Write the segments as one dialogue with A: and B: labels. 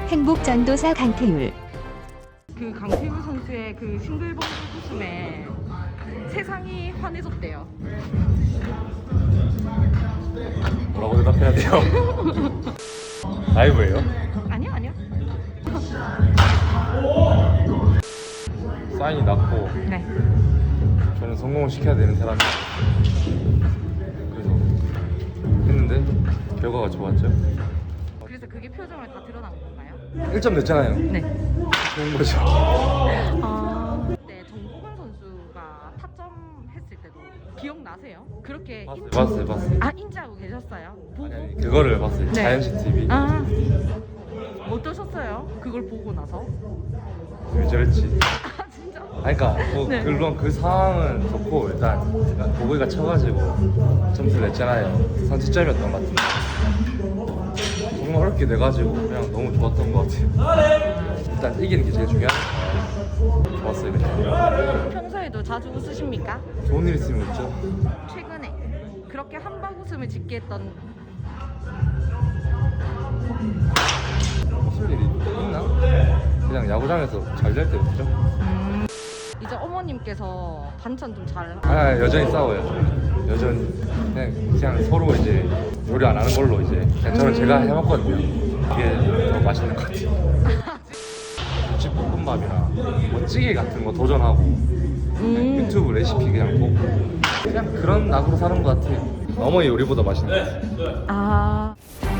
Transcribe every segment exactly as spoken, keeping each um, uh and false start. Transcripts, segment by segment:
A: 행복전도사 강태율.
B: 그 강태훈 선수의 그 싱글벙글 웃음에 세상이 환해졌대요.
C: 뭐라고 대답해야 돼요? 라이브예요?
B: 아니요, 아니요.
C: 사인이 낮고
B: 네.
C: 저는 성공을 시켜야 되는 사람이에요. 그래서 했는데 결과가 좋았죠.
B: 그래서 그게 표정을 다 드러난 건가요?
C: 일 점 냈잖아요.
B: 네.
C: 좋은 거죠.
B: 아, 네, 정보근 선수가 타점 했을 때도 기억나세요? 그렇게
C: 봤어요,
B: 인-
C: 봤어요, 봤어요.
B: 아, 인지하고 계셨어요? 보고?
C: 아니, 아니, 그거를 봤어요.
B: 네.
C: 자연식 티비.
B: 아, 어떠셨어요? 그걸 보고 나서?
C: 왜 저랬지?
B: 아, 진짜?
C: 아니, 그러니까 뭐
B: 네.
C: 물론 그 상황은 좋고 일단 보고이가 쳐가지고 점수를 냈잖아요. 선취점이었던 것 같은데 정말 어렵게 내가지고 그냥 너무 좋았던 것 같아요. 일단 이기는 게 제일 중요하니까 좋았어요. 그냥
B: 평소에도 자주 웃으십니까?
C: 좋은 일 있으면 웃죠.
B: 최근에 그렇게 한방 웃음을 짓게 했던
C: 무슨 일이 있나? 그냥 야구장에서 잘 될 때 웃죠.
B: 음, 이제 어머님께서 반찬 좀 잘
C: 아 여전히 싸워요. 여전히 그냥, 그냥 서로 이제 요리 안 하는 걸로 이제 그냥 저는 제가 해먹거든요. 이게 더 맛있는 것 같아요. 집 볶음밥이나 뭐 찌개 같은 거 도전하고
B: 음.
C: 유튜브 레시피 그냥 보고 그냥 그런 낙으로 사는 것 같아요. 어머니 요리보다 맛있는 것 같아요.
B: 아,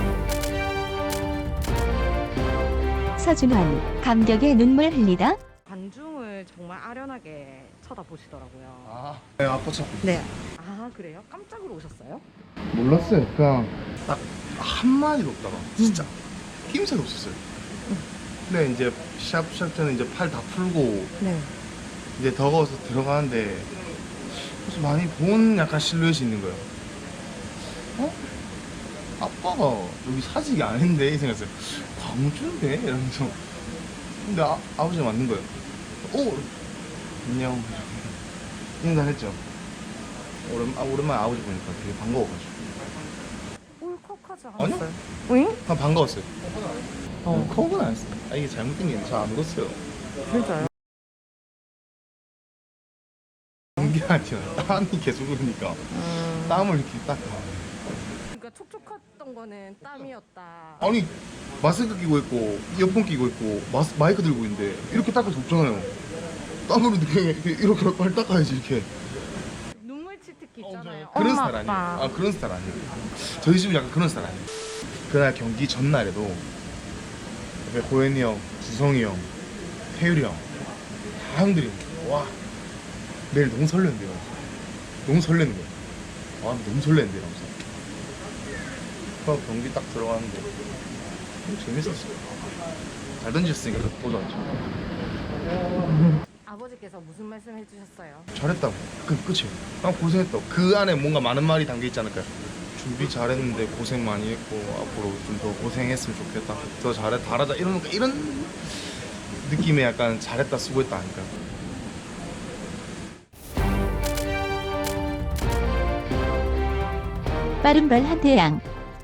A: 서준환. 감격의 눈물 흘리다.
B: 관중을 정말 아련하게 쳐다보시더라고요.
C: 아,
D: 네, 아파서
B: 네. 아, 그래요? 깜짝으로 오셨어요?
D: 몰랐어요. 그냥 딱 한마디도 없다가 진짜 힘새도 없었어요. 근데 이제 시합 시작 전에 이제 팔 다 풀고
B: 네.
D: 이제 더워서 들어가는데 무슨 많이 본 약간 실루엣이 있는 거예요. 어? 아빠가 여기 사직이 아닌데 이 생각했어요. 광주인데? 이러면서 근데 아, 아버지가 맞는 거예요. 오! 안녕. 인사했죠. 오랜, 아, 오랜만에 아버지 보니까 되게 반가워가지고.
B: 울컥하지
D: 아니요.
B: 않았어요? 응?
D: 아, 반가웠어요. 어, 컵은 안 했어요. 아, 이게 잘못된 게 잘 안 익었어요.
B: 진짜요?
D: 연기 아니요. 땀이 계속 흐르니까.
B: 음.
D: 땀을 이렇게 딱.
B: 그러니까 촉촉했던 거는 땀이었다.
D: 아니, 마스크 끼고 있고, 이어폰 끼고 있고, 마스, 마이크 들고 있는데, 이렇게 닦을 수 없잖아요. 땀으로 이렇게, 이렇게, 이렇게 빨리 닦아야지, 이렇게.
B: 눈물 치트키 있잖아요.
D: 그런
B: 엄마,
D: 스타일 아니에요.
B: 아빠.
D: 아, 그런 스타일 아니에요. 저희 집은 약간 그런 스타일 아니에요. 그날 경기 전날에도 옆에 고현이 형, 주성이 형, 태율이 형, 다 형들이 와 내일 너무 설레는데요. 너무 설레는 거예요. 아 너무 설레는데 이러면서. 그 경기 딱 들어가는데 너무 재밌었어요. 잘 던졌으니까 보도 않죠.
B: 아버지께서 무슨 말씀 해주셨어요?
D: 잘했다고. 그 끝이에요. 아 고생했다고. 그 안에 뭔가 많은 말이 담겨 있지 않을까요? 준비 잘했는데 고생 많이 했고 앞으로 좀 더 고생했으면 좋겠다. 더 잘해 잘하자 이런 이런 느낌의 약간 잘했다 수고했다 아닐까.
A: 빠른 발 한태양.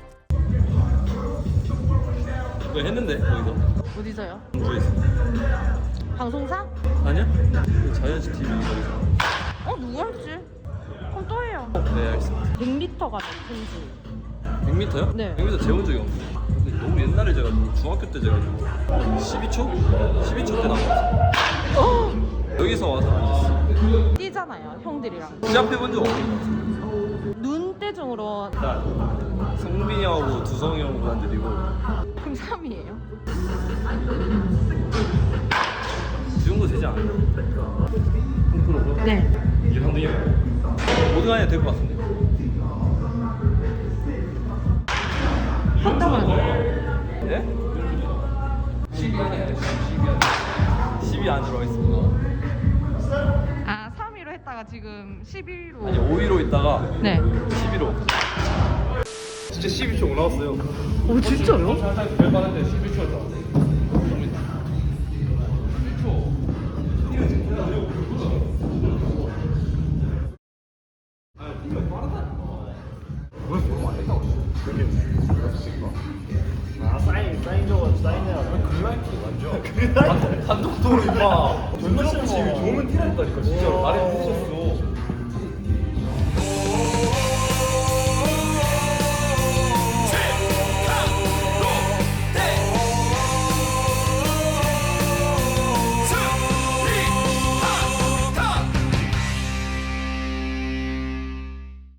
C: 그거 했는데 거기서
B: 어디서요?
C: 공주에서
B: 방송사?
C: 아니야? 그 자연식 티비 거기서.
B: 어, 누구였지? 그럼 또 해요.
C: 네 알겠습니다.
B: 백 미터가 몇인지.
C: 백 미터요?
B: 네.
C: 백 미터 재본 적이 없는데 근데 너무 옛날에 재가지고 중학교 때 재가지고 십이 초? 십이 초 때 나왔어.
B: 어!
C: 여기서 와서 앉았어.
B: 뛰잖아요, 형들이랑.
C: 시합해본 적 없는 것 같아.
B: 눈대중으로.
C: 일단 성빈이 형하고 두성이 형 그한들이고
B: 그럼 삼 위예요?
C: 이 정도 되지 않아요? 홈프로로?
B: 네.
C: 이게 상등이에요. 모든 안에 될 것 같은데.
B: 한다면
C: 예? 십이 안에 십이 안 들어가 있습니다.
B: 아, 삼 위로 했다가 지금 십일 위로.
C: 아니 오 위로 있다가
B: 네.
C: 십 위로. 진짜 십이 초 올라왔어요.
B: 오, 진짜요?
C: 살짝 별 받았는데 십일 초였다.
D: 아 사인 사인 적어 사인해야
C: 완전. 감독도로 임마. 전정씨 좋으면 티라니까 진짜 말이 안 되셨어.